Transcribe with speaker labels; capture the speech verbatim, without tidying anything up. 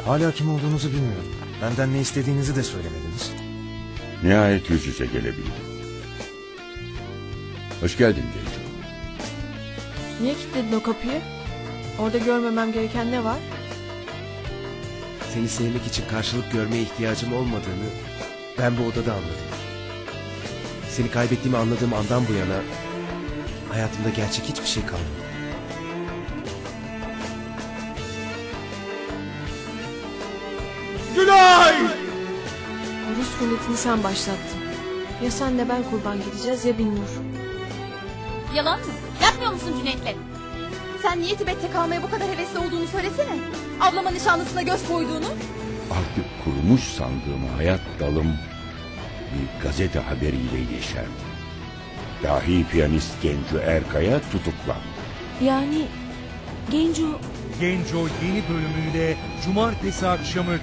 Speaker 1: Hala kim olduğunuzu bilmiyorum. Benden ne istediğinizi de söylemediniz.
Speaker 2: Nihayet yüz yüze gelebildim. Hoş geldin Genco.
Speaker 3: Niye kilitledin o kapıyı? Orada görmemem gereken ne var?
Speaker 4: Seni sevmek için karşılık görmeye ihtiyacım olmadığını ben bu odada anladım. Seni kaybettiğimi anladığım andan bu yana hayatımda gerçek hiçbir şey kalmadı.
Speaker 5: Gülay!
Speaker 3: Rus ruletini sen başlattın. Ya sen de ben kurban gideceğiz ya Binnur.
Speaker 6: Yalan mı? Yapmıyor musun Cüneyt'le? Sen niye Tibet'te kalmaya bu kadar hevesli olduğunu söylesene. Ablama nişanlısına göz koyduğunu.
Speaker 2: Artık kurumuş sandığım hayat dalım bir gazete haberiyle yeşerdi. Dahi piyanist Genco Erkaya tutuklandı.
Speaker 3: Yani Genco...
Speaker 5: Genco yeni bölümüyle cumartesi akşamı